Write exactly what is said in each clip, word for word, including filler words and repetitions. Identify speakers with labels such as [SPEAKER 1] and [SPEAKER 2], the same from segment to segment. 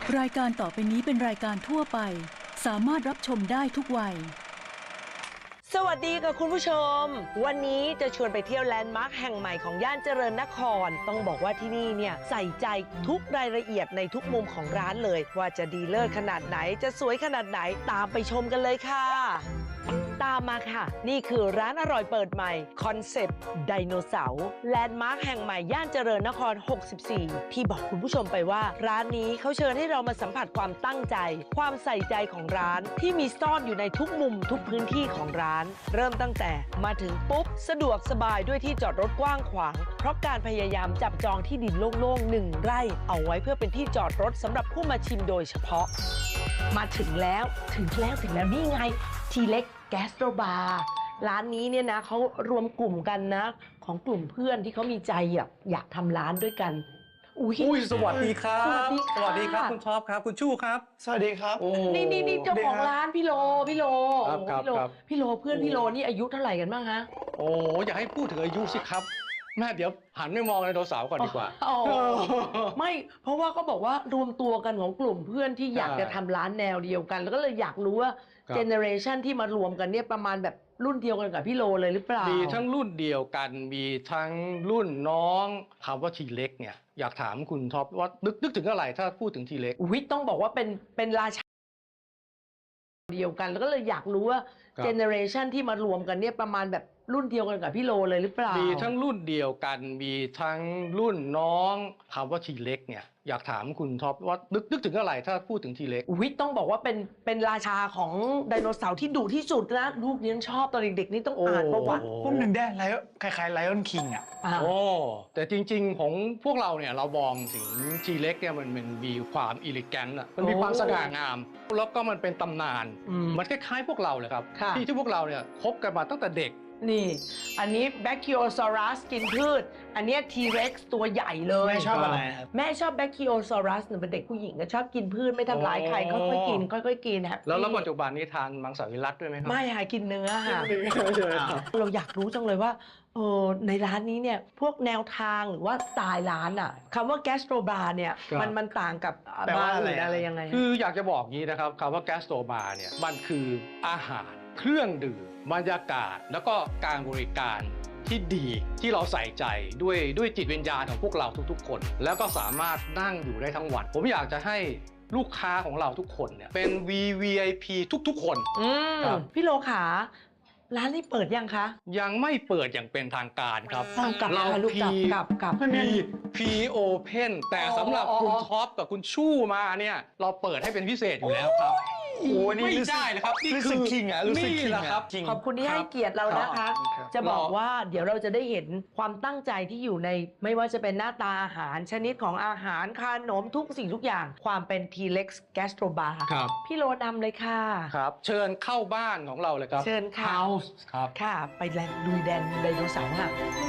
[SPEAKER 1] รายการต่อไปนี้เป็นรายการทั่วไปสามารถรับชมได้ทุกวัย
[SPEAKER 2] สวัสดีค่ะคุณผู้ชมวันนี้จะชวนไปเที่ยวแลนด์มาร์คแห่งใหม่ของย่านเจริญนครต้องบอกว่าที่นี่เนี่ยใส่ใจทุกรายละเอียดในทุกมุมของร้านเลยว่าจะดีเลิศขนาดไหนจะสวยขนาดไหนตามไปชมกันเลยค่ะตามมาค่ะนี่คือร้านอร่อยเปิดใหม่คอนเซปต์ไดโนเสาร์แลนด์มาร์คแห่งใหม่ย่านเจริญนครหกสิบสี่ที่บอกคุณผู้ชมไปว่าร้านนี้เขาเชิญให้เรามาสัมผัสความตั้งใจความใส่ใจของร้านที่มีซ่อนอยู่ในทุกมุมทุกพื้นที่ของร้านเริ่มตั้งแต่มาถึงปุ๊บสะดวกสบายด้วยที่จอดรถกว้างขวางเพราะการพยายามจับจองที่ดินโล่งๆหนึ่งไร่เอาไว้เพื่อเป็นที่จอดรถสำหรับผู้มาชิมโดยเฉพาะมาถึงแล้วถึงแล้วถึงแล้วนี่ไงทีเล็กแกสโตรบาร์ร้านนี้เนี่ยนะเขารวมกลุ่มกันนะของกลุ่มเพื่อนที่เขามีใจอยากอยากทำร้านด้วยกันอุ้ย
[SPEAKER 3] อุ้ยสวัสดีครับ
[SPEAKER 2] สวัสดีค่ะ
[SPEAKER 3] สวัสดีครับคุณท็อปครับคุณชู่ครับ
[SPEAKER 4] สวัสดีครับ
[SPEAKER 3] โอ้
[SPEAKER 2] นี่นี่นี่เจ้าของร้านพี่โลพี่โล
[SPEAKER 3] ครับ
[SPEAKER 2] โอ้
[SPEAKER 3] ครับ
[SPEAKER 2] พี่โล
[SPEAKER 3] ครับ
[SPEAKER 2] พี่โลเพื่อนพี่โลนี่อายุเท่าไหร่กันบ้างฮะ
[SPEAKER 3] โอ้อยากให้พูดถึงอายุสิครับแม่เดี๋ยวหันไปมองไดโนเสาร์ก่อนดีกว่า
[SPEAKER 2] อ๋อไม่เพราะว่าก็บอกว่ารวมตัวกันของกลุ่มเพื่อนที่อยาก
[SPEAKER 3] ใช่
[SPEAKER 2] จะทำร้านแนวเดียวกัน แล้วก็เลยอยากรู้ว่า
[SPEAKER 3] ครับ
[SPEAKER 2] เจเนอเรชันที่มารวมกันเนี่ยประมาณแบบรุ่นเดียวกันกับพี่โลเลยหรือเปล่า
[SPEAKER 3] มีทั้งรุ่นเดียวกันมีทั้งรุ่นน้องคำว่าทีเล็กเนี่ยอยากถามคุณท็อปว่านึกนึกถึงอะไรถ้าพูดถึงทีเล็ก
[SPEAKER 2] อุ๊ยต้องบอกว่าเป็นเป็นราชาเดียวกัน แล้วก็เลยอยากรู้ว่า
[SPEAKER 3] ครับ
[SPEAKER 2] เจเนอเรชันที่มารวมกันเนี่ยประมาณแบบรุ่นเดียวกันกับพี่โลเลยหรือเปล่า
[SPEAKER 3] มี
[SPEAKER 2] มี
[SPEAKER 3] ทั้งรุ่นเดียวกันมีทั้งรุ่นน้องคำว่าทีเล็กเนี่ยอยากถามคุณท็อปว่านึกนึกถึงอะไรถ้าพูดถึงทีเล็ก
[SPEAKER 2] อุ๊ยต้องบอกว่าเป็นเป็นราชาของไดโนเสาร์ที่ดุที่สุดนะลูกเลี้ยงชอบตอนเด็กๆนี่ต้องอ่านประวัติ
[SPEAKER 3] โอ้
[SPEAKER 4] พวกหนึ่งได้ไลออนคล้ายๆไลออนคิงอ่ะ
[SPEAKER 2] อ่า
[SPEAKER 3] โอ้แต่จริงๆของพวกเราเนี่ยเรามองถึงทีเล็กเนี่ยมันมันมีความอิลิแกนต์อ่ะมันมีความสง่างาม แล้วก็มันเป็นตำนาน
[SPEAKER 2] อืม
[SPEAKER 3] มันคล้ายๆพวกเราเลยครับ
[SPEAKER 2] ค่ะ
[SPEAKER 3] ที่ที่พวกเราเนี่ยคบกันมาตั้งแต่เด็ก
[SPEAKER 2] นี่ อันนี้ Brachiosaurus กินพืช อันเนี้ย T-Rex ตัวใหญ่เลย
[SPEAKER 4] ไม่ชอบอะไรครับ
[SPEAKER 2] แม่ชอบ Brachiosaurus หนูเป็นเด็กผู้หญิงก็ชอบกินพืชไม่ทำร้ายใคร
[SPEAKER 3] อ๋อ
[SPEAKER 2] ค่อยๆกินค่อยๆกินฮะ
[SPEAKER 3] แล้วแล้วปัจจุบันนี้ทานมังสวิรัติด้วยไหมครั
[SPEAKER 2] ไม่ค่ะกินเนื้อค่ะ
[SPEAKER 3] ครับ
[SPEAKER 2] เราอยากรู้จังเลยว่าเออในร้านนี้เนี่ยพวกแนวทางหรือว่าสไตล์ร้านอะคำว่า Gastro Bar เนี่ย
[SPEAKER 3] ครับ
[SPEAKER 2] มันมันต่างกับ
[SPEAKER 4] แปลว่า
[SPEAKER 2] บาร์
[SPEAKER 4] อะไร
[SPEAKER 2] อื่น
[SPEAKER 4] อะ
[SPEAKER 2] อะไรยังไง
[SPEAKER 3] คืออยากจะบอกงี้นะครับคำว่าแกสโตบาร์เนี่ยมันคืออาหารเครื่องดื่มบรรยากาศแล้วก็การบริการที่ดีที่เราใส่ใจด้วยด้วยจิตวิญญาณของพวกเราทุกๆ คน แล้วก็สามารถนั่งอยู่ได้ทั้งวัน ผมอยากจะให้ลูกค้าของเราทุกคนเนี่ยเป็น วี วี ไอ พี ทุกๆ คน
[SPEAKER 2] อืม
[SPEAKER 3] ครับ
[SPEAKER 2] พี่โลขาร้านนี้เปิดยังคะ
[SPEAKER 3] ยังไม่เปิดอย่างเป็นทางการครับ
[SPEAKER 2] เอากลับ
[SPEAKER 3] เรา
[SPEAKER 2] ค่ะลูกกลับ
[SPEAKER 3] พี
[SPEAKER 2] กลับกลับ
[SPEAKER 3] พีพีโอเพนแต่สำหรับ
[SPEAKER 2] อ๋อ
[SPEAKER 3] คุณท็อปกับคุณชู่มาเนี่ยเราเปิดให้เป็นพิเศษอยู่แล้วครับ
[SPEAKER 4] โอ้นี่
[SPEAKER 3] ไม่
[SPEAKER 4] รู้สึก
[SPEAKER 3] ได้เลยครับนี่
[SPEAKER 4] รู้
[SPEAKER 3] คื
[SPEAKER 4] สึ
[SPEAKER 3] อก
[SPEAKER 4] คิงอะรู้สึก
[SPEAKER 3] นี่
[SPEAKER 4] คิง
[SPEAKER 3] แหละ
[SPEAKER 4] อะ
[SPEAKER 3] ครับ
[SPEAKER 4] จริง
[SPEAKER 2] ขอบคุณที่ให้เกียรติเรานะคะ
[SPEAKER 4] ครับ
[SPEAKER 2] จะบอกว่าเดี๋ยวเราจะได้เห็นความตั้งใจที่อยู่ในไม่ว่าจะเป็นหน้าตาอาหารชนิดของอาหารขนมทุกสิ่งทุกอย่าง ความเป็น T-Rex Gastro Bar
[SPEAKER 3] ครับ
[SPEAKER 2] พี่โลนำเลยค่ะ
[SPEAKER 3] ครับ เชิญเข้าบ้านของเราเลยครับ
[SPEAKER 2] เชิญค่ะ
[SPEAKER 3] House ครับ
[SPEAKER 2] ค่ะ ไปแลนดูแดนไดโนเสาร์ค่ะ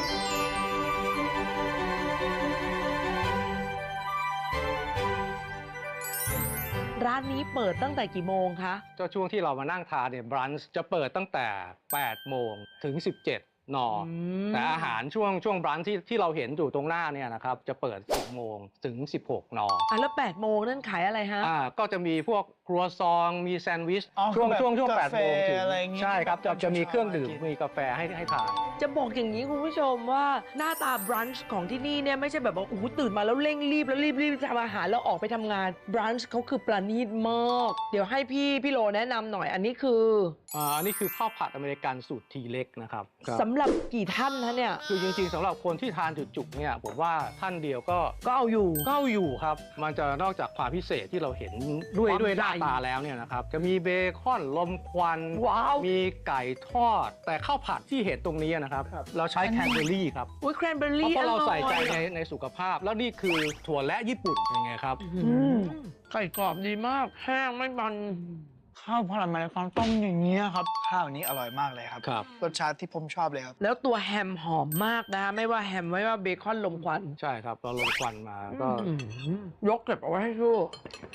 [SPEAKER 2] ร้านนี้เปิดตั้งแต่กี่โมงคะ
[SPEAKER 3] ก็ช่วงที่เรามานั่งทานเนี่ยบรันช์จะเปิดตั้งแต่แปดโมงถึงสิบเจ็ดน
[SPEAKER 2] ม
[SPEAKER 3] แต่อาหารช่วงช่วงบรันช์ที่ที่เราเห็นอยู่ตรงหน้าเนี่ยนะครับจะเปิดสิบโมงถึงสิบหกน
[SPEAKER 2] อ่ะแล้วแปดโมงนั่นขายอะไรฮะ
[SPEAKER 3] อ่าก็จะมีพวกครัวซองมีแซนด์วิช
[SPEAKER 4] อ๋อ
[SPEAKER 3] ช่วง
[SPEAKER 4] แบบ
[SPEAKER 3] ช่วงช่วงแปด
[SPEAKER 4] กาแฟ
[SPEAKER 3] โมงถึง
[SPEAKER 4] อะไรอย่างงี้
[SPEAKER 3] ใช่ครับจะจะมีเครื่องดื่ม
[SPEAKER 4] กิน
[SPEAKER 3] มีกาแฟให้ให้ทาน
[SPEAKER 2] จะบอกอย่างนี้คุณผู้ชมว่าหน้าตาบรันช์ของที่นี่เนี่ยไม่ใช่แบบว่าโอ้โหตื่นมาแล้วเร่งรีบแล้วรีบรีบทำอาหารแล้วออกไปทำงานบรันช์เขาคือประณีตมากเดี๋ยวให้พี่พี่โลแนะนำหน่อยอันนี้คือ
[SPEAKER 3] อ่าอันนี้คือข้าวผัดอเมริกันสูตรทีเล็กนะครับ
[SPEAKER 2] สำหรับกี่ท่านนะเนี่ย
[SPEAKER 3] คือจริงๆสำหรับคนที่ทานจุกๆเนี่ยผมว่าท่านเดียวก็
[SPEAKER 2] ก็เอาอยู่
[SPEAKER 3] ก็เอาอยู่ครับ มันจะนอกจากความพิเศษที่เราเห็นด้วย
[SPEAKER 2] ความ
[SPEAKER 3] ด้วยหน้า
[SPEAKER 2] ใหญ่
[SPEAKER 3] ตาแล้วเนี่ยนะครับจะมีเบคอนลมควัน
[SPEAKER 2] ว้าว
[SPEAKER 3] มีไก่ทอด แต่ข้าวผัดที่เห็นตรงนี้นะครับ เราใช้แคนเบอรี่ครับ
[SPEAKER 2] อุ้ยแครนเบอร์
[SPEAKER 3] เพ
[SPEAKER 2] รี่
[SPEAKER 3] ราะเราใส่ใจ
[SPEAKER 2] อ
[SPEAKER 3] ใน
[SPEAKER 2] ร่อย
[SPEAKER 3] ในสุขภาพ แล้วนี่คือถั่วและญี่ปุ่นยังไงครับ
[SPEAKER 2] อืมไก่กรอบดีมากแห้งไม่มัน
[SPEAKER 4] ข้าวพลังมาในความต้มอย่างเงี้ยครับ ข้าวนี้อร่อยมากเลยครับ
[SPEAKER 3] ครับ
[SPEAKER 4] รสชาติที่ผมชอบเลยครับ
[SPEAKER 2] แล้วตัวแฮมหอมมากนะไม่ว่าแฮมไม่ว่าเบคอนลมควัน
[SPEAKER 3] ใช่ครับเราลมควันมาก็
[SPEAKER 2] อืมยกเก็บเอาไว้ให้ชู่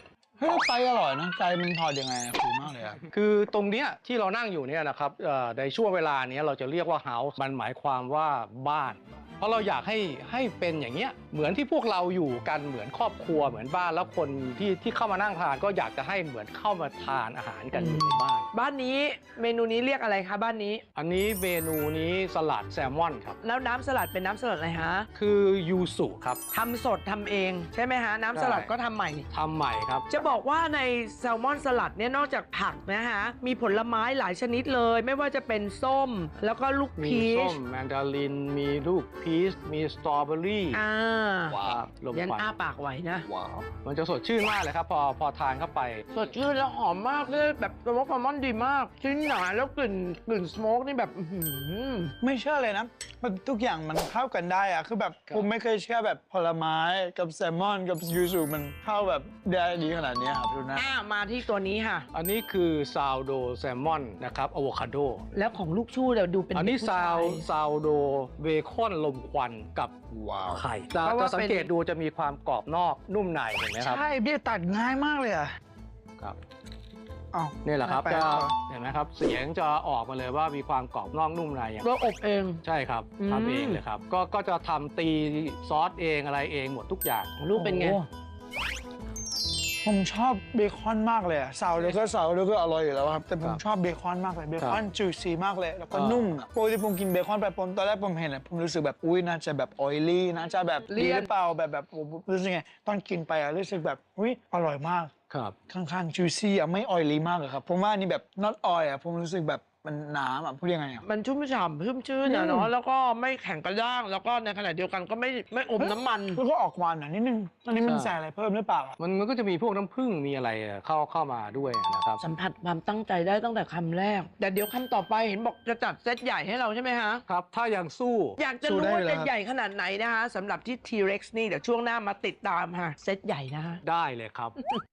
[SPEAKER 4] เฮ้ยไก่อร่อยนะไก่มันทอดยังไงคูลมากเลยอะ
[SPEAKER 3] คือตรงเนี้ยที่เรานั่งอยู่เนี่ยนะครับเอ่อในช่วงเวลาเนี้ยเราจะเรียกว่าเฮาส์มันหมายความว่าบ้าน เพราะเราอยากให้ให้เป็นอย่างเงี้ยเหมือนที่พวกเราอยู่กันเหมือนครอบครัวเหมือนบ้านแล้วคนที่ที่เข้ามานั่งทานก็อยากจะให้เหมือนเข้ามาทานอาหารกันอยู่ในบ้าน
[SPEAKER 2] บ้านนี้เมนูนี้เรียกอะไรคะบ้านนี้
[SPEAKER 3] อันนี้เมนูนี้สลัดแซลมอนครับ
[SPEAKER 2] แล้วน้ำสลัดเป็นน้ำสลัดอะไรฮะ
[SPEAKER 3] คือยูสุครับ
[SPEAKER 2] ทำสดทำเองใช่ไหมฮะ น้ำสลัดก็ทำใหม่
[SPEAKER 3] ทำใหม่ครับ
[SPEAKER 2] จะบอกว่าในแซลมอนสลัดเนี่ยนอกจากผักนะฮะ มีผลไม้หลายชนิดเลย ไม่ว่าจะเป็นส้ม แล้วก็ลูก
[SPEAKER 3] มี
[SPEAKER 2] พี
[SPEAKER 3] ส้
[SPEAKER 2] ช
[SPEAKER 3] มแมนดารินมีลูกพีชมีสตรอเบอรี่
[SPEAKER 2] อ่า
[SPEAKER 3] ครับลม
[SPEAKER 2] ยัน
[SPEAKER 3] ควัน
[SPEAKER 2] อ้าปากไหวนะ
[SPEAKER 3] ว้าวมันจะสดชื่นมากเลยครับ พอพอทานเข้าไป
[SPEAKER 2] สดชื่นแล้วหอมมากเลยแบบสโมกแซลมอนดีมากชิ้นหนาแล้วกลิ่นกลิ่นสโมกนี่แบบอื้อหือ
[SPEAKER 4] ไม่เชื่อเลยนะมันทุกอย่างมันเข้ากันได้อะคือแบบ
[SPEAKER 3] ครับ
[SPEAKER 4] ผมไม่เคยเชื่อแบบผลไม้กับแซลมอนกับยูสุมันเข้าแบบได้ดีขนาดนี้ครับดูนะ
[SPEAKER 2] อ่ามาที่ตัวนี้ค่ะ
[SPEAKER 3] อันนี้คือซาวโดแซลมอนนะครับอะโวคาโด
[SPEAKER 2] แล้วของลูกชู่เดี๋ยวดูเป็น
[SPEAKER 3] อันนี้
[SPEAKER 2] ผู้
[SPEAKER 3] ซา
[SPEAKER 2] ชยว
[SPEAKER 3] ซาวโดเบคอนลมควันกับ
[SPEAKER 4] ว้าว
[SPEAKER 3] ไข่จะ
[SPEAKER 2] เพราะว่า
[SPEAKER 3] จะสังเกต
[SPEAKER 2] เป็น
[SPEAKER 3] ดูจะมีความกรอบนอกนุ่มในเห็นไหมครับ
[SPEAKER 4] ใช่พี่ตัดง่ายมากเลยอะ
[SPEAKER 3] ครับ
[SPEAKER 4] อ้าว
[SPEAKER 3] นี่แหละครับ
[SPEAKER 4] แปล
[SPEAKER 3] จะ
[SPEAKER 4] กเหรอ
[SPEAKER 3] เห็นไหมครับเสียงจะออกมาเลยว่ามีความกรอบนอกนุ่มในอย่าง
[SPEAKER 2] เราอบเอง
[SPEAKER 3] ใช่ครับ
[SPEAKER 2] อืม
[SPEAKER 3] ทำเองเลยครับก็ก็จะทำตีซอสเองอะไรเองหมดทุกอย่าง
[SPEAKER 2] ลูกเป็นไง
[SPEAKER 4] โอ้ผมชอบเบคอนมากเลยอะซาวแล้วก็ซาวแล้วก็อร่อยอยู่แล้วครับแต่ผมชอบเบคอนมากเลยเบคอนจูซี่มากเลยแล้วก็นุ่มอะปกติผมกินเบคอนไปผมตอนแรกผมเห็นอะผมรู้สึกแบบอุ้ยน่าจะแบบออยลี่น่าจะแบบ
[SPEAKER 2] เลี่
[SPEAKER 4] ดี
[SPEAKER 2] ยน
[SPEAKER 4] หรือเปล่าแบบแบบผมรู้สึกไงตอนกินไปอะรู้สึกแบบอุ้ยอร่อยมาก
[SPEAKER 3] ครับ
[SPEAKER 4] ค่อนข้างจูซี่อะไม่ออยลี่มากเลยครับผมว่าอันนี่แบบ not oil อะผมรู้สึกแบบมันหนาอะพูดยังไงอะ
[SPEAKER 2] มันชุ่มฉ่ำชุ่มชื่น
[SPEAKER 4] อื
[SPEAKER 2] นะ
[SPEAKER 4] ม
[SPEAKER 2] เนาะแล้วก็ไม่แข็งกระด้าง แล้วก็ในขณะเดียวกันก็ไม่ไม่อมน้ำมัน
[SPEAKER 4] แล้วก็ออกหวานหน่อยนิดนึงอันนี้มันใส่อะไรเพิ่มหรือเปล่าอะ
[SPEAKER 3] มันมันก็จะมีพวกน้ำผึ้งมีอะไรเข้าเข้ามาด้วยนะครับ
[SPEAKER 2] สัมผัสความตั้งใจได้ตั้งแต่คำแรก แต่เดี๋ยวคำต่อไปเห็นบอกจะจัดเซตใหญ่ให้เราใช่ไหมฮะ
[SPEAKER 3] ครับ ถ้ายังสู้
[SPEAKER 2] อยากจะรู้ว่าจะใหญ่ขนาดไหนนะคะสำหรับที่ T-Rex นี่เดี๋ยวช่วงหน้ามาติดตามค่ะเซตใหญ่นะคะ
[SPEAKER 3] ได้เลยครับ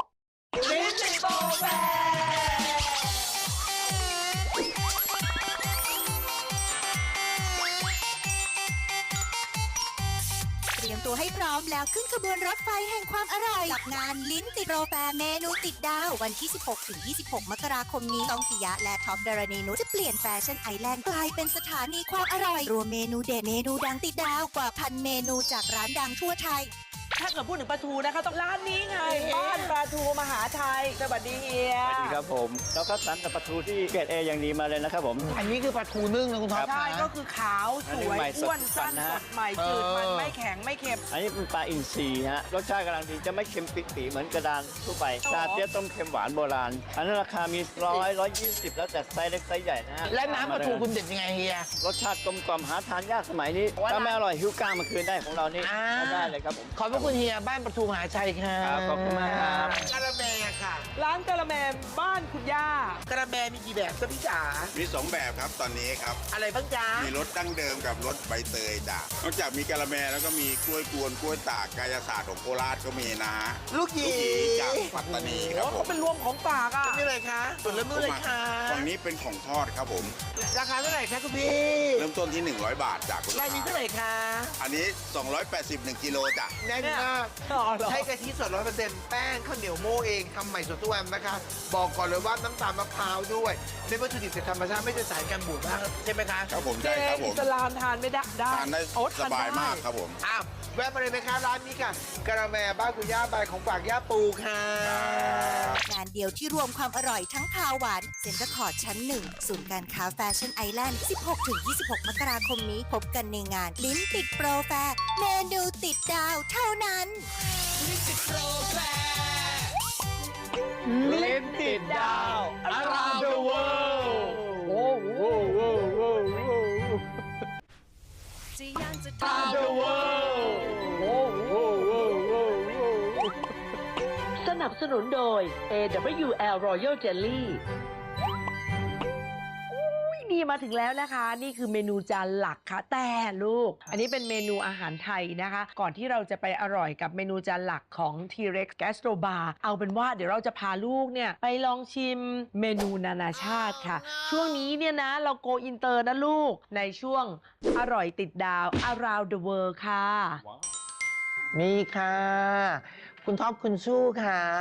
[SPEAKER 5] เตรียมตัวให้พร้อมแล้วขึ้นขบวนรถไฟแห่งความอร่อยกับงานลิ้นติดโปรแฟร์เมนูติดดาว วันที่ สิบหกถึงยี่สิบหก มกราคมนี้ต้องปิยะและท็อปดารณีนุชจะเปลี่ยนแฟชั่นไอแลนด์กลายเป็นสถานีความอร่อย รวมเมนูเด็ดเมนูดังติดดาวกว่าพันเมนูจากร้านดังทั่วไทย
[SPEAKER 2] ถ้าเกิดพูดถึงปลาทูนะคะต้องร้านนี้ไงบ้านปลาทูมหาไทยสวัสดีเฮีย
[SPEAKER 6] สวัสดีครับผมเราก็สั่งแต่ปลาทูที่เกรดเออย่างดีมาเลยนะครับผม
[SPEAKER 4] อันนี้คือปลาทูนึ่งนะคุณท็อป
[SPEAKER 2] ใช่ก็คือขาวสวย
[SPEAKER 6] อันนี้ใหม่สด
[SPEAKER 2] อ้วนสั้น
[SPEAKER 6] นะ
[SPEAKER 2] ส
[SPEAKER 6] ฮะ
[SPEAKER 2] ดใหม่จืดมัน
[SPEAKER 4] เออ
[SPEAKER 2] ไม่แข็งไม่เค็ม
[SPEAKER 6] อันนี้เป็นปลาอินทรีฮะรสชาติกำลังดีจะไม่เค็มปิปีเหมือนกระดานทั่วไป
[SPEAKER 2] อ๋อ
[SPEAKER 6] ชาเตี้ยต้มเค็มหวานโบราณ อันนั้นราคามีร้อยร้อยยี่สิบแล้วแต่ไซส์เล็กไซส์ใหญ่นะฮะ
[SPEAKER 4] และน้ำปลาทูคุณเด็ดยังไงเฮีย
[SPEAKER 6] รสชาติกลมกล่อมหาทานยากสมัยนี้
[SPEAKER 4] ว่า
[SPEAKER 6] ถ้าไม่อร่อยหิวก้างมาคืนได้ของเรานี่
[SPEAKER 4] อ่า
[SPEAKER 6] ก็ได้เลยครับผม
[SPEAKER 4] ขอบพระคุณเฮียบ้านปลาทูมหาชัยครับ
[SPEAKER 6] ครับขอบคุณมากครับ
[SPEAKER 7] กะละแมค่ะ
[SPEAKER 2] ร้านกะละแมบ้านคุณย่า
[SPEAKER 7] กะละแมมีกี่แบบจ๊ะพี่จ๋า
[SPEAKER 8] มีสองแบบครับตอนนี้ครับ
[SPEAKER 7] อะไรบ้างจ๊ะ
[SPEAKER 8] มีรสดั้งเดิมกับรสใบเตยจ้ะนอกจากมีกะละแมแล้วก็มีกล้วยกวนกล้วยตากกายศาสตร์ของโคราชก็มีนะฮะ
[SPEAKER 7] ลูกหยี
[SPEAKER 8] ลูกหยีจากปัตตานีครับผ
[SPEAKER 2] เขา
[SPEAKER 8] ม
[SPEAKER 2] เป็นรวมของฝากอ่ะ
[SPEAKER 7] นี่เลยคะส่วนเริ่มต้นเลยค่ะ
[SPEAKER 8] ฝั่งนี้เป็นของทอดครับผม
[SPEAKER 7] ราคาเท่าไหร่คะคุณพี่
[SPEAKER 8] เริ่มต้นที่ หนึ่งร้อย บาทจากคุณลูก
[SPEAKER 7] รายนี้
[SPEAKER 8] ค้า
[SPEAKER 7] เท่าไหร่คะ
[SPEAKER 8] อันนี้ สองร้อยแปดสิบ หนึ่งกิโลจ้ะ
[SPEAKER 7] แน่นมาก
[SPEAKER 2] อ๋อเหรอ
[SPEAKER 7] ใช้กะทิสดร้อยเปอร์เซ็นต์แป้งข้าวเหนียวโม่เองทำใหม่สดทุกวันนะคะ บอกก่อนเลยว่าน้ำตาลมะพร้าวด้วยเป็นวัตถุดิบจากธรรมชาติไม่ได้สารกันบูดมากใช่ไหมคะ
[SPEAKER 8] ครับผม
[SPEAKER 2] เจ
[SPEAKER 8] ใช่ครับผ
[SPEAKER 2] อิ
[SPEAKER 8] ม
[SPEAKER 2] สลามทานไม่ได้ได้
[SPEAKER 8] ทานได้
[SPEAKER 2] โอ้
[SPEAKER 8] สบายมาก
[SPEAKER 2] ทนได้
[SPEAKER 8] ครับผม
[SPEAKER 7] อ้าวแวะมาเลยไหมคะร้านนี้ค่ะกะละแมบ้านคุณย่าบายของฝากย่าปูค่ะ
[SPEAKER 5] งานเดียวที่รวมความอร่อยทั้งคาวหวานเซ็นเตอร์คอร์ดชั้นหนึ่งศูนย์การค้าแฟชั่นไอแลนด์ สิบหกถึงยี่สิบหก มกราคมนี้พบกันในงานลิ้นติดโปรแฟร์เมนูติดดาวเท่านั้น
[SPEAKER 2] ลิ้นติดดาว
[SPEAKER 3] around the world โอ้โห around the world โอ้โห
[SPEAKER 2] สนับสนุนโดย เอ ดับเบิลยู แอล Royal Jelly อุ้ยนี่มาถึงแล้วนะคะ นี่คือเมนูจานหลักค่ะ แต่ลูก อันนี้เป็นเมนูอาหารไทยนะคะ ก่อนที่เราจะไปอร่อยกับเมนูจานหลักของ T-Rex Gastro Bar เอาเป็นว่าเดี๋ยวเราจะพาลูกเนี่ยไปลองชิมเมนูนานาชาติค่ะ ช่วงนี้เนี่ยนะเราโกอินเตอร์นะลูก ในช่วงอร่อยติดดาว Around the World ค่ะ
[SPEAKER 7] มีค่ะ คุณท็อปคุณสู้ค่ะ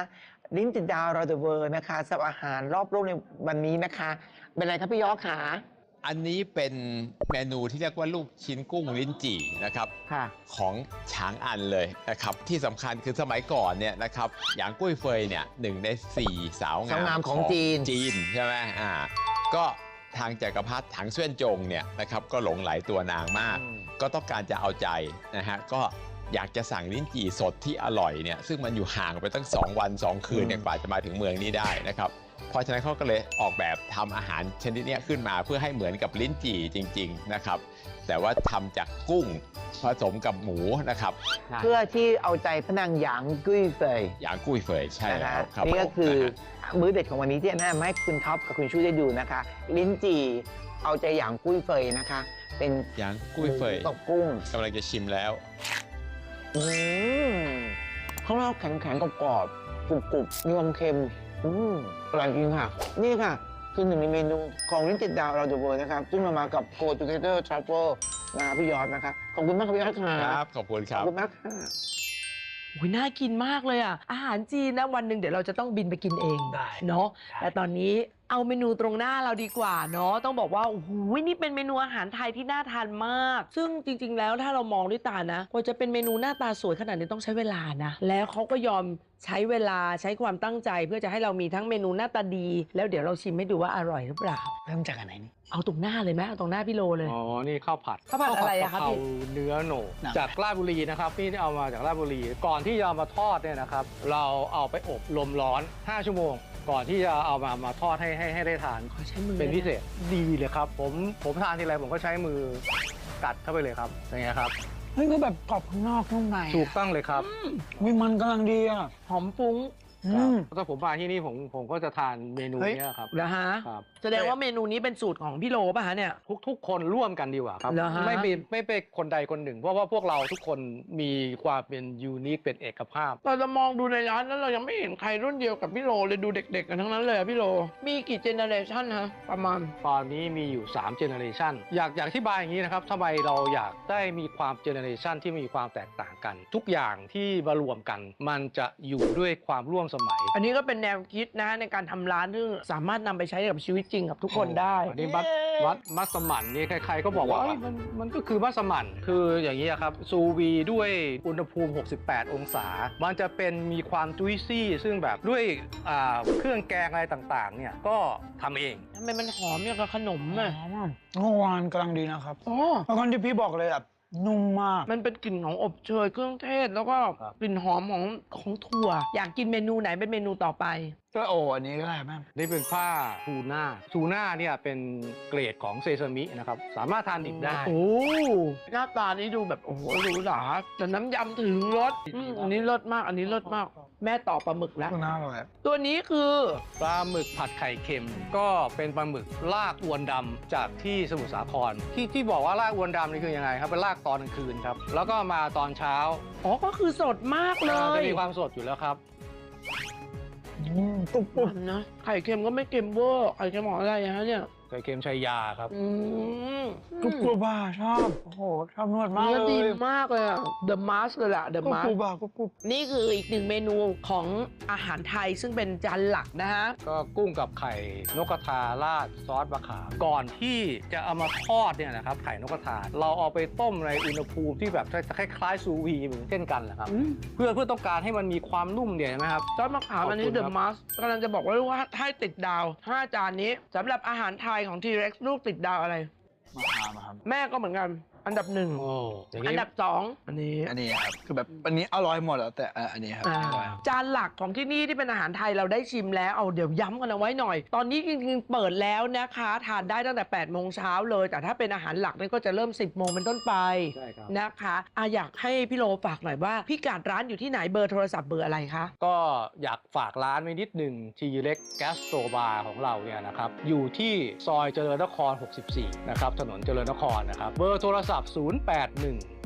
[SPEAKER 7] ลิ้นติดดาวเราเดอะเวิร์นะคะสำหรับอาหารรอบโลกในวันนี้นะคะ เป็นอะไรครับพี่ยอขา
[SPEAKER 9] อันนี้เป็นเมนูที่เรียกว่าลูกชิ้นกุ้งลิ้นจี่นะครับ
[SPEAKER 7] ค่ะ
[SPEAKER 9] ของฉางอันเลยนะครับที่สำคัญคือสมัยก่อนเนี่ยนะครับหยางกุ้ยเฟยเนี่ยหนึ่งในสี่สาว
[SPEAKER 7] สาวงาง
[SPEAKER 9] าม ม
[SPEAKER 7] ของจีน
[SPEAKER 9] จีนใช่ไหมอ่าก็ทางจักรพรรดิถังเสวียนจงเนี่ยนะครับก็หลงไหลตัวนางมาก ก็ต้องการจะเอาใจนะฮะก็อยากจะสั่งลิ้นจี่สดที่อร่อยเนี่ยซึ่งมันอยู่ห่างไปตั้งสองวันสองคืนเนี่ยกว่าจะมาถึงเมืองนี้ได้นะครับเพราะฉะนั้นเขาก็เลยออกแบบทำอาหารชนิดนี้ขึ้นมาเพื่อให้เหมือนกับลิ้นจี่จริงๆนะครับแต่ว่าทำจากกุ้งผสมกับหมูนะครับ
[SPEAKER 7] เพื่อที่เอาใจพระนางหยางกุ้ยเฟย
[SPEAKER 9] หยางกุ้ยเฟยใช่
[SPEAKER 7] นะ
[SPEAKER 9] แล้
[SPEAKER 7] คะ
[SPEAKER 9] วครับ
[SPEAKER 7] นี่ก็คือ
[SPEAKER 9] นะฮะ
[SPEAKER 7] มื้อเด็ดของวันนี้ที่แนะนำให้คุณท็อปกับคุณชูได้ดูนะคะ ลิ้นจี่เอาใจหยางกุ้ยเฟยนะคะ เป็น
[SPEAKER 9] หยางกุ้ยเฟย
[SPEAKER 7] กับกุ้ง
[SPEAKER 9] กำลังจะชิมแล้ว
[SPEAKER 7] อืมข้างนอกแข็งๆกรอบๆกรุบๆมีความเค็มอืมอร่อยจริงค่ะ นี่ค่ะ คือหนึ่งในเมนูของลิ้นติดดาวเราเดอะเวิร์นะครับ ซึ่งเรามากับ Go Together Travel นะครับพี่ยอดนะครับ ขอบคุณมากครับพี่ยอดค่ะ
[SPEAKER 9] ครับ ขอบคุณค
[SPEAKER 7] ข
[SPEAKER 9] รั
[SPEAKER 7] อบบ คุณมากค่ะ
[SPEAKER 2] โอ้ยน่ากินมากเลยอ่ะ อาหารจีนนะวันหนึ่งเดี๋ยวเราจะต้องบินไปกินเองเนาะแต่ตอนนี้เอาเมนูตรงหน้าเราดีกว่าเนาะต้องบอกว่าโอ้โหนี่เป็นเมนูอาหารไทยที่น่าทานมาก ซึ่งจริง ๆ แล้วถ้าเรามองด้วยตานะกว่าจะเป็นเมนูหน้าตาสวยขนาดนี้ต้องใช้เวลานะแล้วเขาก็ยอมใช้เวลาใช้ความตั้งใจเพื่อจะให้เรามีทั้งเมนูหน้าตาดี แล้วเดี๋ยวเราชิมให้ดูว่าอร่อยหรือเปล่า
[SPEAKER 4] เริ่มจากอันไหนนี่
[SPEAKER 2] เอาตรงหน้าเลยไหมเอาตรงหน้าพี่โลเลย
[SPEAKER 3] อ๋อ นี่ข้าวผัด
[SPEAKER 2] ข้าวผัดอะไรอะครับ
[SPEAKER 3] ข้าว
[SPEAKER 2] พี่
[SPEAKER 3] ผัดกะเพราเนื้อโหนก
[SPEAKER 4] หนัง
[SPEAKER 3] จากราชบุรีนะครับนี่เอามาจากราชบุรี ก่อนที่จะเอามาทอดเนี่ยนะครับ เราเอาไปอบลมร้อน ห้า ชั่วโมง ก่อนที่จะเอามามาทอดให้ให้ให้ได้ทาน
[SPEAKER 2] ขอใช้มือ
[SPEAKER 3] เป็นพิเศษดีเลยครับ ผมผมทานทีไรผมก็ใช้มือกัดเข้าไปเลยครับอย่างเงี้ยครับ
[SPEAKER 4] เฮ้ยก็แบบกรอบข้างนอกนุ่มใน
[SPEAKER 3] ถูกต้องเลยครับ
[SPEAKER 4] วิมันกำลังดีอ่ะ
[SPEAKER 2] หอมฟุ้ง
[SPEAKER 4] อืม
[SPEAKER 3] ถ้าผมมาที่นี่ผมผมก็จะทานเมนู
[SPEAKER 4] เฮ้ย
[SPEAKER 3] เนี้ยครับ
[SPEAKER 2] นะฮะ
[SPEAKER 3] ครับ
[SPEAKER 2] แสดงว่าเมนูนี้เป็นสูตรของพี่โลป่ะฮะเนี่ย
[SPEAKER 3] ทุกทุกคนร่วมกันดีกว่าครับ
[SPEAKER 2] เหรอฮะ
[SPEAKER 3] ไม่เป็นไม่เป็นคนใดคนหนึ่ง เพราะว่าพวกเราทุกคนมีความเป็นยูนิคเป็นเอกภาพ
[SPEAKER 2] เราจะมองดูในร้านแล้วเรายังไม่เห็นใครรุ่นเดียวกับพี่โลเลยดูเด็กๆกันทั้งนั้นเลยอะพี่โล มีกี่เจเนอเรชันฮะประมาณ
[SPEAKER 3] ตอนนี้มีอยู่3เจเนอเรชันอยากอยากอธิบายอย่างนี้นะครับทำไมเราอยากได้มีความเจเนอเรชันที่มีความแตกต่างกัน ทุกอย่างที่มารวมกัน มันจะอยู่ด้วยความร่วมสมัย
[SPEAKER 2] อันนี้ก็เป็นแนวคิดนะในการทำร้านที่สามารถนำไปใช้กับชีวิตจริงกับทุกคนได้
[SPEAKER 3] อันนี้วัดวัดมัสมั่นนี่ใครๆก็บอกว่าเอ้ยมันมันก็คือมัสมั่นคืออย่างนี้ยครับซูวีด้วยอุณหภูมิหกสิบแปดองศา มันจะเป็นมีความจุยซี่ซึ่งแบบด้วยอ่าเครื่องแกงอะไรต่างๆเนี่ยก็ทำเอง
[SPEAKER 2] ทำไมมันหอมอย่างกับขนมอ่ะ
[SPEAKER 4] เมื่อวานกำลังดีนะครับ
[SPEAKER 2] อ๋อ
[SPEAKER 4] แล้วคนที่พี่บอกเลยแบบนุ่มมาก
[SPEAKER 2] มันเป็นกลิ่นของอบเชยเครื่องเทศ แล้วก็
[SPEAKER 3] ครับ
[SPEAKER 2] กลิ่นหอมของของถั่ว อยากกินเมนูไหนเป็นเมนูต่อไป
[SPEAKER 4] ก็โอ้อันนี้ก็ได้แม่
[SPEAKER 3] นี่เป็นผ้าทูน่าทูน่าเนี่ยเป็นเกรดของเซซามินะครับสามารถทานดิบได้
[SPEAKER 2] โอ้หน้าตานี้ดูแบบโอ้โหหรูหราแต่น้ำยำถึงรสอืมอันนี้รสมาก อันนี้รสมาก แม่ต่อปลาหมึกแล้ว
[SPEAKER 4] ก็น่าอร่อย
[SPEAKER 2] ตัวนี้คือ
[SPEAKER 3] ปลาหมึกผัดไข่เค็ม ก็เป็นปลาหมึกลากอวนดำจากที่สมุทรสาครที่ที่บอกว่าลากอวนดำนี่คือยังไงครับเป็นลากตอนกลางคืนครับแล้วก็มาตอนเช้า
[SPEAKER 2] อ๋อ ก็คือสดมากเล
[SPEAKER 3] จะ
[SPEAKER 2] ย
[SPEAKER 3] มีความสดอยู่แล้วครับ
[SPEAKER 4] อืมกรุบกรุบ
[SPEAKER 2] มันนะ ไข่เค็มก็ไม่เค็มเวอร์ ไข่เค็มของอะไรฮะเนี่ย
[SPEAKER 3] ไข่เค็มชัยยาครับ
[SPEAKER 2] อืม
[SPEAKER 4] กรุบกรุบอ่ะชอบ โอ้โห ชอบนวดมาก
[SPEAKER 2] เนื้อ
[SPEAKER 4] เล
[SPEAKER 2] ดี
[SPEAKER 4] ย
[SPEAKER 2] มากเลยอะ The Mask เลยล่ะ The
[SPEAKER 4] กรุบ
[SPEAKER 2] Mask
[SPEAKER 4] กรุบอ่ะกรุบกรุบ
[SPEAKER 2] นี่คืออีกหนึ่งเมนูของอาหารไทยซึ่งเป็นจานหลักนะฮะ
[SPEAKER 3] ก็กุ้งกับไข่นกกระทาราดซอสมะขามก่อนที่จะเอามาทอดเนี่ยนะครับไข่นกกระทาเราเอาไปต้มในอุณหภูมิที่แบบคล้ายๆซูวีเหมือนเช่นกันแหละครับ
[SPEAKER 2] อืม
[SPEAKER 3] เพื่อเพื่อต้องการให้มันมีความนุ่มเนี่ยเห็นไหมครับ
[SPEAKER 2] ซอสมะขามอันนี้
[SPEAKER 3] ขอบคุณ
[SPEAKER 2] The
[SPEAKER 3] ครับ
[SPEAKER 2] Mask กำลังจะบอกว่าว่าให้ติดดาวห้าจานนี้สำหรับอาหารไทยของ T-Rex ลูกติดดาวอะไร
[SPEAKER 4] มาทานมาครับ
[SPEAKER 2] แม่ก็เหมือนกัน อันดับหนึ่ง
[SPEAKER 3] โอ้อย่าง
[SPEAKER 2] อั
[SPEAKER 3] นี้
[SPEAKER 2] นดับสองอันนี้
[SPEAKER 4] อันนี้ครับ คือแบบอันนี้อร่อยหมดแล้วแต่อ่ะอันนี้ครับ
[SPEAKER 2] อ่า
[SPEAKER 4] อร่อย
[SPEAKER 2] จานหลักของที่นี่ที่เป็นอาหารไทยเราได้ชิมแล้วเอาเดี๋ยวย้ำกันเอาไว้หน่อย ตอนนี้จริงๆเปิดแล้วนะคะทานได้ตั้งแต่แปดโมงเช้าเลย แต่ถ้าเป็นอาหารหลักนี่ก็จะเริ่มสิบโมงเป็นต้นไป
[SPEAKER 3] ใช่ครับ
[SPEAKER 2] นะคะอะอยากให้พี่โลฝากหน่อยว่าพี่กัดร้านอยู่ที่ไหนเบอร์โทรศัพท์เบอร์อะไรคะ
[SPEAKER 3] ก็อยากฝากร้านไว้นิดหนึ่งทีเล็กแกสโตบาร์ของเราเนี่ยนะครับอยู่ที่ซอยเจริญนครหกสิบสี่นะครับถนนเจริญนครนะครับเบอร์โทรศัพท์ศูนย์ แปด หนึ่ง ห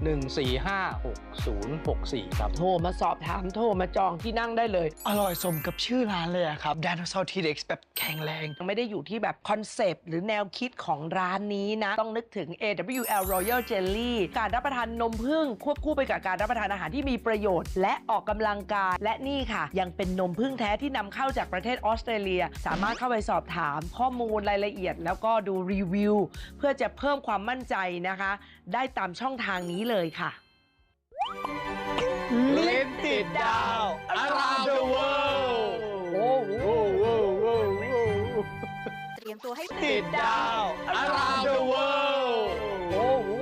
[SPEAKER 3] หนึ่ง สี่ ห้า หก ศูนย์ หก สี่ ครับ
[SPEAKER 2] โทรมาสอบถามโทรมาจองที่นั่งได้เลย
[SPEAKER 4] อร่อยสมกับชื่อร้านเลยอะครับ Dinosaur T-Rex แบบแข็งแรง
[SPEAKER 2] ไม่ได้อยู่ที่แบบคอนเซปต์หรือแนวคิดของร้านนี้นะ ต้องนึกถึง เอ ดับเบิลยู แอล Royal Jelly การรับประทานนมผึ้งควบคู่ไปกับการรับประทานอาหารที่มีประโยชน์ และออกกำลังกาย และนี่ค่ะ ยังเป็นนมผึ้งแท้ที่นำเข้าจากประเทศออสเตรเลีย สามารถเข้าไปสอบถามข้อมูลรายละเอียด แล้วก็ดูรีวิว เพื่อจะเพิ่มความมั่นใจนะคะ ได้ตามช่องทางนี้เลยค่ะ
[SPEAKER 7] ลิ้นติดดาว around the world
[SPEAKER 2] โอ้โห
[SPEAKER 5] เตรียมตัวให้
[SPEAKER 7] ติดดาว around the world
[SPEAKER 2] โอ้โห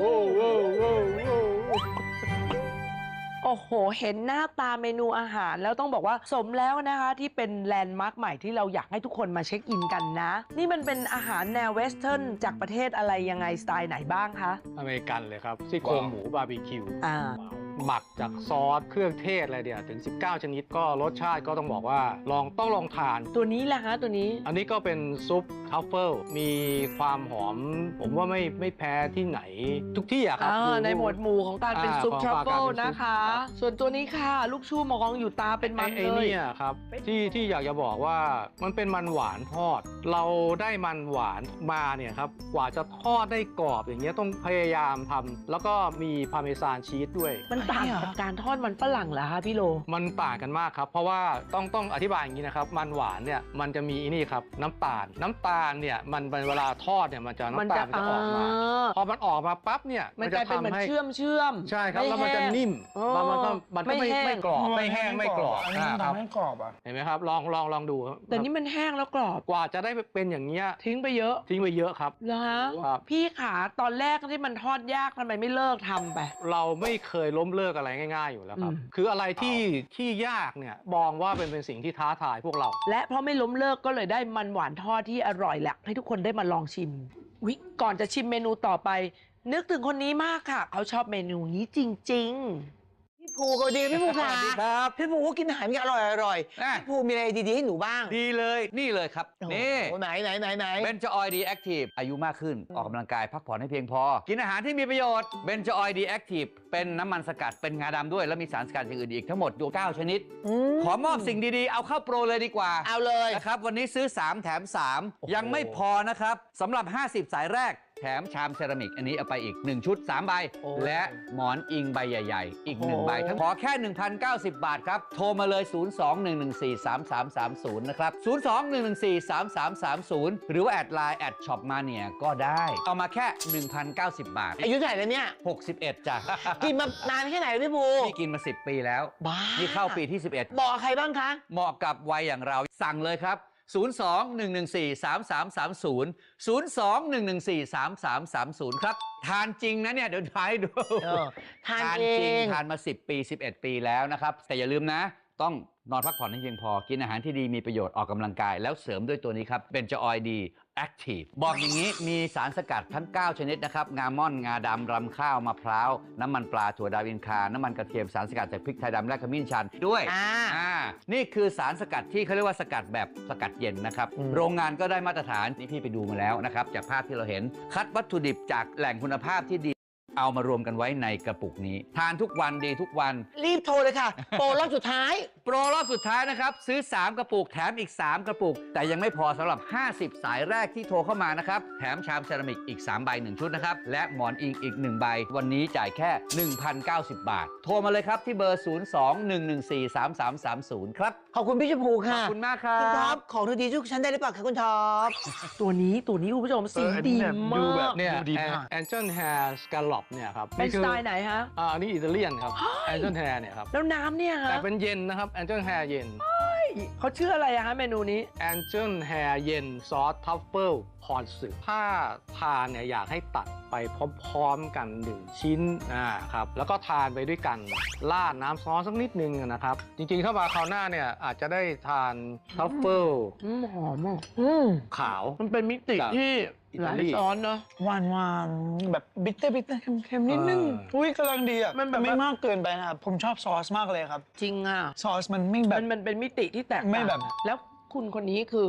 [SPEAKER 2] โอ้โห เห็นหน้าตาเมนูอาหารแล้วต้องบอกว่าสมแล้วนะคะที่เป็นแลนด์มาร์คใหม่ที่เราอยากให้ทุกคนมาเช็คอินกันนะ นี่มันเป็นอาหารแนวเวสเทิร์นจากประเทศอะไรยังไงสไตล์ไหนบ้างคะ
[SPEAKER 3] อเมริกันเลยครับซี่โครงหมูบาร์บีคิว
[SPEAKER 2] อ่า
[SPEAKER 3] หมักจากซอสเครื่องเทศอะไรเดียวถึง สิบเก้า ชนิดก็รสชาติก็ต้องบอกว่าลองต้องลองทาน
[SPEAKER 2] ตัวนี้แหละฮะตัวนี้
[SPEAKER 3] อันนี้ก็เป็นซุปทัฟเฟิลมีความหอม ผมว่าไม่ไม่แพ้ที่ไหน ทุกที่อะครับ
[SPEAKER 2] อ่า
[SPEAKER 3] ดู
[SPEAKER 2] ในหมวดหมู่ของการเป็น
[SPEAKER 3] อ่า
[SPEAKER 2] ซุป
[SPEAKER 3] ของ
[SPEAKER 2] ทรัฟเฟิล
[SPEAKER 3] การเป็นซุป
[SPEAKER 2] นะคะ
[SPEAKER 3] ครับ
[SPEAKER 2] ส่วนตัวนี้ค่ะ ลูกชูมองอยู่ตาเป็นมัน
[SPEAKER 3] ไอ้
[SPEAKER 2] เลย
[SPEAKER 3] เนี่ยครับที่ที่อยากจะบอกว่ามันเป็นมันหวานทอด เราได้มันหวานมาเนี่ยครับกว่าจะทอดได้กรอบอย่างเงี้ยต้องพยายามทำแล้วก็มีพาร์เมซานชีสด้วย
[SPEAKER 2] มันต่างกับการทอดมันฝรั่งเหรอคะพี่โล
[SPEAKER 3] มันต่างกันมากครับ เพราะว่าต้องต้องอธิบายอย่างนี้นะครับ มันหวานเนี่ยมันจะมีนี่ครับน้ำตาล น้ำตาลเนี่ยมันเวลาทอดเนี่ยมันจะน้ำตาลมันจะออกมา พอมันออกมาปั๊บเนี่ย
[SPEAKER 2] มันกลายเป็นเหมือน
[SPEAKER 3] จะทำให้
[SPEAKER 2] เชื่อมเชื่อม
[SPEAKER 3] ใช่ครับแล้วมันจะ
[SPEAKER 2] ไแห้ง
[SPEAKER 3] นิ่ม
[SPEAKER 2] อ๋อ
[SPEAKER 3] แล้วมันก็มันก็ไม่
[SPEAKER 2] ไม่แห้ง
[SPEAKER 3] ไม่กรอบไม่แห้งไม่กรอบ
[SPEAKER 4] อันนี้มัน
[SPEAKER 3] อ่าครับ
[SPEAKER 4] ทำให้กรอบอ่ะ
[SPEAKER 3] เห็นไหมครับลองลองลองดูครับ
[SPEAKER 2] แต่นี่มันแห้งแล้วกรอบ
[SPEAKER 3] กว่าจะได้เป็นอย่างเงี้ย
[SPEAKER 2] ทิ้งไปเยอะ
[SPEAKER 3] ทิ้งไปเยอะครับ
[SPEAKER 2] เหรอฮะ
[SPEAKER 3] ครับ
[SPEAKER 2] พี่ขาตอนแรกที่มันทอดยากทำไมไม่เลิกทำไป
[SPEAKER 3] เราไม่เคยล้มเลิกอะไรง่ายๆอยู่แล้วครับ
[SPEAKER 2] อืม
[SPEAKER 3] คืออะไรที่ที่ยากเนี่ยมองว่าเป็นเป็นสิ่งที่ท้าทายพวกเรา
[SPEAKER 2] และเพราะไม่ล้มเลิกก็เลยได้มันหวานทอดที่อร่อยแหละให้ทุกคนได้มาลองชิมวิก่อนจะชิมเมนูต่อไป นึกถึงคนนี้มากค่ะ เขาชอบเมนูนี้จริง ๆ
[SPEAKER 7] พี่ภูก็ดีพี่ภูค่ะ
[SPEAKER 10] สวัสดีครับ
[SPEAKER 7] พี่ภูก็กินอาหารอร่อยอร่อย
[SPEAKER 10] อ่ะ
[SPEAKER 7] พี่ภูมีอะไรดีๆให้หนูบ้าง
[SPEAKER 10] ดีเลยนี่เลยครับ นี่
[SPEAKER 7] โอ้โหไหนไหนไหนไหน
[SPEAKER 10] เบนจออยดีแอคทีฟอายุมากขึ้นออกกำลังกายพักผ่อนให้เพียงพอ กินอาหารที่มีประโยชน์เบนจออยดีแอคทีฟเป็นน้ำมันสกัดเป็นงาดำด้วย แล้วมีสารสกัดอย่างอื่นอีกทั้งหมดดูเก้าชนิด ขอมอบสิ่งดีๆ เอาเข้าโปรเลยดีกว่า
[SPEAKER 7] เอาเลย
[SPEAKER 10] นะครับวันนี้ซื้อ สาม แถม สาม
[SPEAKER 7] โอ้โห
[SPEAKER 10] ยังไม่พอนะครับสำหรับ ห้าสิบ สายแรก แถมชามเซรามิก อันนี้เอาไปอีก หนึ่ง ชุด สาม ใบ และหมอนอิงใบใหญ่ๆ อีก หนึ่ง ใบทั้งขอแค่ หนึ่งพันเก้าสิบ บาทครับ โทรมาเลย ศูนย์ สอง หนึ่ง หนึ่ง สี่ สาม สาม สาม ศูนย์ นะครับ ศูนย์ สอง หนึ่ง หนึ่ง สี่ สาม สาม สาม ศูนย์ หรือว่าแอดไลน์แอดช็อปมาเนี่ยก็ได้ เอามาแค่ หนึ่งพันเก้าสิบ บาท
[SPEAKER 7] อายุเท่าไหร่แล้วเนี่ย
[SPEAKER 10] หกสิบเอ็ดจ้ะ
[SPEAKER 7] กินมานานแค่ไหนพี่ภู
[SPEAKER 10] นี่กินมา สิบ ปีแล้ว
[SPEAKER 7] บ้า
[SPEAKER 10] นี่เข้าปีที่ สิบเอ็ด
[SPEAKER 7] บอกใครบ้างคะ
[SPEAKER 10] เหมาะกับวัยอย่างเราสั่งเลยครับ ศูนย์ สอง หนึ่ง หนึ่ง สี่ สาม สาม สาม ศูนย์ ศูนย์ สอง หนึ่ง หนึ่ง สี่ สาม สาม สาม ศูนย์ ครับ ทานจริงนะเนี่ย เดี๋ยวทายให้ดู
[SPEAKER 7] เออทานเอ
[SPEAKER 10] จริง
[SPEAKER 7] ง
[SPEAKER 10] ทานมา สิบ ปี สิบเอ็ด ปีแล้วนะครับ แต่อย่าลืมนะ ต้องนอนพักผ่อนให้เพียงพอ กินอาหารที่ดีมีประโยชน์ออกกำลังกาย แล้วเสริมด้วยตัวนี้ครับเบนจออยดีแอคทีฟบอกอย่างนี้มีสารสกัดทั้ง เก้า ชนิดนะครับ งาม่อน งาดำรำข้าวมะพร้าว น้ำมันปลาถั่วดาวอินคา น้ำมันกระเทียมสารสกัดจากพริกไทยดำและขมิ้นชันด้วย
[SPEAKER 7] อ่า
[SPEAKER 10] อ่านี่คือสารสกัดที่เขาเรียกว่าสกัดแบบสกัดเย็นนะครับ
[SPEAKER 7] อืม
[SPEAKER 10] โรงงานก็ได้มาตรฐานนี่พี่ไปดูมาแล้วนะครับ จากภาพที่เราเห็น คัดวัตถุดิบจากแหล่งคุณภาพที่ดีเอามารวมกันไว้ในกระปุกนี้ ทานทุกวันดีทุกวัน
[SPEAKER 7] รีบโทรเลยค่ะ โปรรอบสุดท้าย
[SPEAKER 10] โปรรอบสุดท้ายนะครับ ซื้อ สาม กระปุกแถมอีก สาม กระปุก แต่ยังไม่พอสำหรับ ห้าสิบ สายแรกที่โทรเข้ามานะครับ แถมชามเซรามิกอีก สาม ใบ หนึ่ง ชุดนะครับ และหมอนอิงอีก หนึ่ง ใบ วันนี้จ่ายแค่ หนึ่งพันเก้าสิบ บาท โทรมาเลยครับที่เบอร์ ศูนย์ สอง หนึ่ง หนึ่ง สี่ สาม สาม สาม ศูนย์ ครับ
[SPEAKER 7] ขอบคุณพี่ชมพู
[SPEAKER 10] ข
[SPEAKER 7] ค่ะ
[SPEAKER 10] อบคุณมากครั
[SPEAKER 7] คุณท็อป
[SPEAKER 10] บ
[SPEAKER 7] ของเธอดีทุกชั้นได้หรือเปล่าคะคุณท็อป
[SPEAKER 2] ตัวนี้ตัวนี้คุณผู้ชมสี
[SPEAKER 4] เอออันนี้
[SPEAKER 2] ดี
[SPEAKER 4] แบบ
[SPEAKER 2] มา
[SPEAKER 4] ดูแบบ
[SPEAKER 2] ก
[SPEAKER 3] เนี่ย
[SPEAKER 4] ดูดีมาก
[SPEAKER 3] แอนเจิลแฮร์สกาลอปเนี่ยครับ
[SPEAKER 2] เป็นสไตล์ไหนฮะ
[SPEAKER 3] อ่าอันนี้อิตาเลียนครับแอนเจิลแฮร์เนี่ยครับ
[SPEAKER 2] แล้วน้ำเนี่ยฮะ
[SPEAKER 3] แต่เป็นเย็นนะครับแอนเจิลแฮร์เย็น
[SPEAKER 2] เขาชื่ออะไรอะฮะเมนูนี้
[SPEAKER 3] แอนเจิลแฮร์เย็นซอสทัฟเฟิลพอนสึถ้าทานเนี่ยอยากให้ตัดไปพร้อมๆกันหนึ่งชิ้นอ่าครับแล้วก็ทานไปด้วยกันราดน้ำซอสสักนิดนึงนะครับ จริงๆ ถ้ามาคราวหน้าเนี่ยอาจจะได้ทานทัฟเฟิล
[SPEAKER 2] อืมหอมอ่ะ
[SPEAKER 7] อืม
[SPEAKER 3] ขาว
[SPEAKER 2] มันเป็นมิติ
[SPEAKER 3] จาก
[SPEAKER 2] ที่
[SPEAKER 3] อิ
[SPEAKER 2] ห
[SPEAKER 3] ตา
[SPEAKER 2] ลาย
[SPEAKER 3] ลี
[SPEAKER 2] ซ้อนเนาะ
[SPEAKER 4] หวานหวานแบบบิตเตอร์บิตเตอร์เค็มๆนิดนึง
[SPEAKER 3] เออ
[SPEAKER 4] อุ้ยกำลังดีอ่ะ
[SPEAKER 2] มันแบบ
[SPEAKER 4] ไม่มากเกินไปนะครับผมชอบซอสมากเลยครับ
[SPEAKER 2] จริงอ่ะ
[SPEAKER 4] ซอสมันไม่แบ
[SPEAKER 2] มั
[SPEAKER 4] บ
[SPEAKER 2] นมันเป็นมิติที่แตกต่าง
[SPEAKER 4] ไม่แบบ
[SPEAKER 2] แล้วคุณคนนี้คือ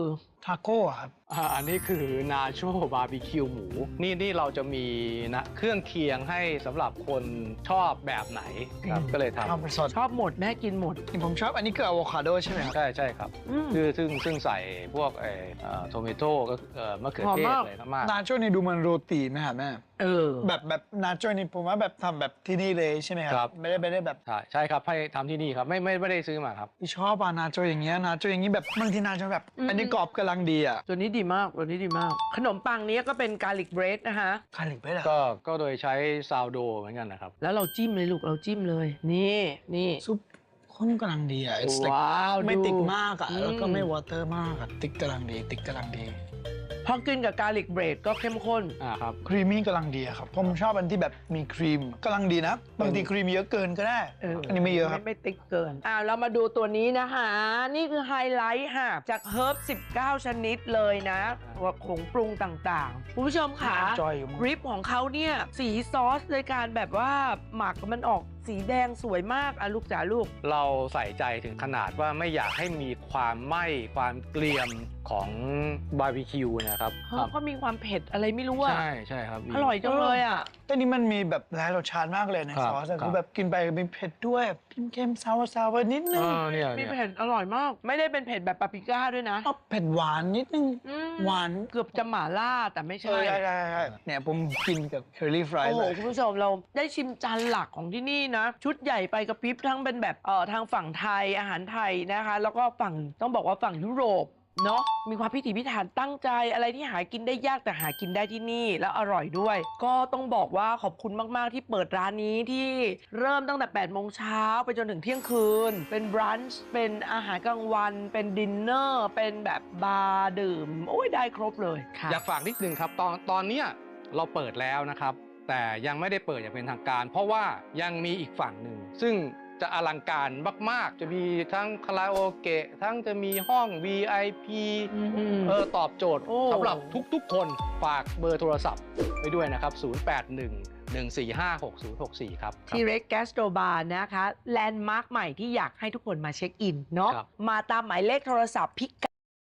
[SPEAKER 4] ทาโก้ครับ
[SPEAKER 3] อ่าอันนี้คือนาโชบาร์บีคิวหมู นี่นี่เราจะมีนะเครื่องเคียงให้สำหรับคนชอบแบบไหนครับ ก็เลยท
[SPEAKER 4] ทำเป็นสด
[SPEAKER 2] ชอบหมดแม่กินหมด
[SPEAKER 4] ผมชอบอันนี้คืออะโวคาโดใช่ไหมครับ
[SPEAKER 3] ำใช่ใช่ครับ
[SPEAKER 2] อืม
[SPEAKER 3] คือซึ่งซึ่งใส่พวกเอ่อโทมิโต้ก็เอ่อมะเขือเทศ
[SPEAKER 2] หอมมาก
[SPEAKER 3] อะไรมาก
[SPEAKER 4] นาโจ้นี่ดูมันโรตีไหมครับแม่
[SPEAKER 2] เออ
[SPEAKER 4] แบบแบบนาโจ้นี่ผมว่าแบบทำแบบที่นี่เลยใช่ไหมค
[SPEAKER 3] ครั
[SPEAKER 4] รับ ไม่ได้ไม่ได้แบบ
[SPEAKER 3] ใช่ใช่ครับให้ทำที่นี่ครับไม่ไม่ไม่ได้ซื้อมาครับ
[SPEAKER 4] ที่ชอบอะนาโจ้อย่างเงี้ยนาโจ้อย่างงี้แบบบางทีนาโจ้แบบ
[SPEAKER 2] อืม
[SPEAKER 4] อันนี้กรอบกำลังดีอะ
[SPEAKER 2] ตัวนี้ดีมากตัวนี้ดีมาก ขนมปังนี้ก็เป็นกาลิกเบรดนะคะ
[SPEAKER 4] คาลิกไปเลย
[SPEAKER 3] ก็ก็โดยใช้ซาวโดเหมือนกันนะครับ
[SPEAKER 2] แล้วเราจิ้มเลยลูกเราจิ้มเลย นี่นี่
[SPEAKER 4] ซุปข้นกำลังดีอะ It's like
[SPEAKER 2] ว้าว
[SPEAKER 4] ไม่
[SPEAKER 2] ดู
[SPEAKER 4] ติดมากอะ
[SPEAKER 2] อืม
[SPEAKER 4] แล้วก็ไม่วอเตอร์มากอะติ๊กกำลังดี ติ๊กกำลังดี
[SPEAKER 2] พอกินกับกาลิกเบรดก็เข้มข้น
[SPEAKER 3] อ่าครับ
[SPEAKER 4] ครีมมี่กำลังดีอะครับ ผมชอบอันที่แบบมีครีมกำลังดีนะ บางทีครีมเยอะเกินก็ได้
[SPEAKER 2] เออ
[SPEAKER 4] อันนี้ไม่เยอะครับ
[SPEAKER 2] ไม่ไม่ติ๊กเกิน อ่าเรามาดูตัวนี้นะคะ นี่คือไฮไลท์ค่ะ จากเฮิร์บสิบเก้า ชนิดเลยนะว่าผงปรุงต่างๆ คุณผู้ชมค่ะ
[SPEAKER 4] จอยอยู่มั้ง
[SPEAKER 2] กริปของเขาเนี่ย สีซอสในการแบบว่าหมักมันออกสีแดงสวยมากอ่ะลูกจ๋าลูก
[SPEAKER 3] เราใส่ใจถึงขนาดว่าไม่อยากให้มีความไหม้ความเกรียมของบาร์บีคิวนะครับ
[SPEAKER 2] เพราะเขามีความเผ็ดอะไรไม่รู้อ่ะ
[SPEAKER 3] ใช่ใช่ครับ
[SPEAKER 2] อร่อยจังเลยอ่ะ
[SPEAKER 4] แต่นี่มันมีแบบหลายรสชาติมากเลยใน
[SPEAKER 3] ครับ
[SPEAKER 4] ซอสอะ
[SPEAKER 3] ครับ
[SPEAKER 4] คือแบบกินไปมีเผ็ดด้วยเค็มๆซาวซาวนิดนึง
[SPEAKER 3] อ่าเนี่ย
[SPEAKER 2] มี
[SPEAKER 3] เนี่ย
[SPEAKER 2] เผ็ดอร่อยมาก ไม่ได้เป็นเผ็ดแบบปาปริก้าด้วยนะ
[SPEAKER 4] เอาเผ็ดหวานนิดนึง
[SPEAKER 2] อืม
[SPEAKER 4] หวาน
[SPEAKER 2] เกือบจะหม่าล่าแต่ไม่
[SPEAKER 4] เอ
[SPEAKER 2] ใช่
[SPEAKER 4] อใช่ใช่ใช่เนี่ยผมกินกับเคอรี่ฟราย
[SPEAKER 2] โอ้โห
[SPEAKER 4] เลย
[SPEAKER 2] คุณผู้ชมเราได้ชิมจานหลักของที่นี่นะ ชุดใหญ่ไปกระพริบทั้งเป็นแบบเอ่อทางฝั่งไทยอาหารไทยนะคะ แล้วก็ฝั่งต้องบอกว่าฝั่งยุโรปเนาะมีความพิถีพิถันตั้งใจอะไรที่หากินได้ยากแต่หากินได้ที่นี่แล้วอร่อยด้วย ก็ต้องบอกว่าขอบคุณมาก ๆ ที่เปิดร้านนี้ที่เริ่มตั้งแต่แปดโมงเช้าไปจนถึงเที่ยงคืน เป็นบรันช์เป็นอาหารกลางวัน เป็นดินเนอร์เป็นแบบบาร์ดื่มโอ้ยได้ครบเลยค่ะ
[SPEAKER 3] อยากฝากนิดนึงครับตอนตอนเนี้ยเราเปิดแล้วนะครับ แต่ยังไม่ได้เปิดอย่างเป็นทางการ เพราะว่ายังมีอีกฝั่งหนึ่งซึ่งจะอลังการมาก ๆ จะมีทั้งคาราโอเกะทั้งจะมีห้อง วี ไอ พี
[SPEAKER 2] อืม
[SPEAKER 3] เออตอบโจทย์
[SPEAKER 2] โอ้
[SPEAKER 3] สำหรับทุก ๆ คนฝากเบอร์โทรศัพท์ไว้ด้วยนะครับ ศูนย์ แปด หนึ่ง หนึ่ง สี่ ห้า หก ศูนย์ หก สี่ ครับ
[SPEAKER 2] ทีเร็กแกสโตรบาร์นะคะแลนด์มาร์คใหม่ที่อยากให้ทุกคนมาเช็คอินเนาะ
[SPEAKER 3] ครับ
[SPEAKER 2] มาตามหมายเลขโทรศัพท์พิกัด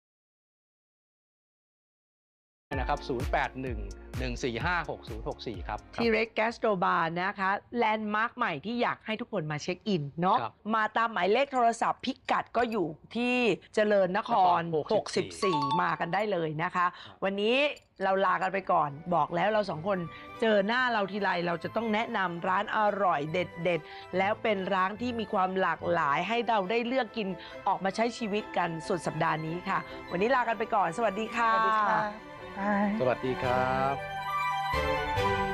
[SPEAKER 3] นะครับ ศูนย์ แปด หนึ่ง หนึ่ง สี่ ห้า หก ศูนย์ หก สี่ ครับ
[SPEAKER 2] ทีเร็กแกสโตรบาร์นะคะแลนด์มาร์คใหม่ที่อยากให้ทุกคนมาเช็คอินเนาะ
[SPEAKER 3] ครับ
[SPEAKER 2] มาตามหมายเลขโทรศัพท์พิกัดก็อยู่ที่เจริญนคร
[SPEAKER 3] นคร
[SPEAKER 2] หกสิบสี่ มากันได้เลยนะคะ วันนี้เราลากันไปก่อนบอกแล้วเราสองคนเจอหน้าเราทีไรเราจะต้องแนะนำร้านอร่อยเด็ดๆ แล้วเป็นร้านที่มีความหลากหลายให้เราได้เลือกกินออกมาใช้ชีวิตกันสุดสัปดาห์นี้ค่ะ วันนี้ลากันไปก่อนสวัสดีค่ะ
[SPEAKER 4] สวัสดีค่ะ
[SPEAKER 3] สวัสดีครับ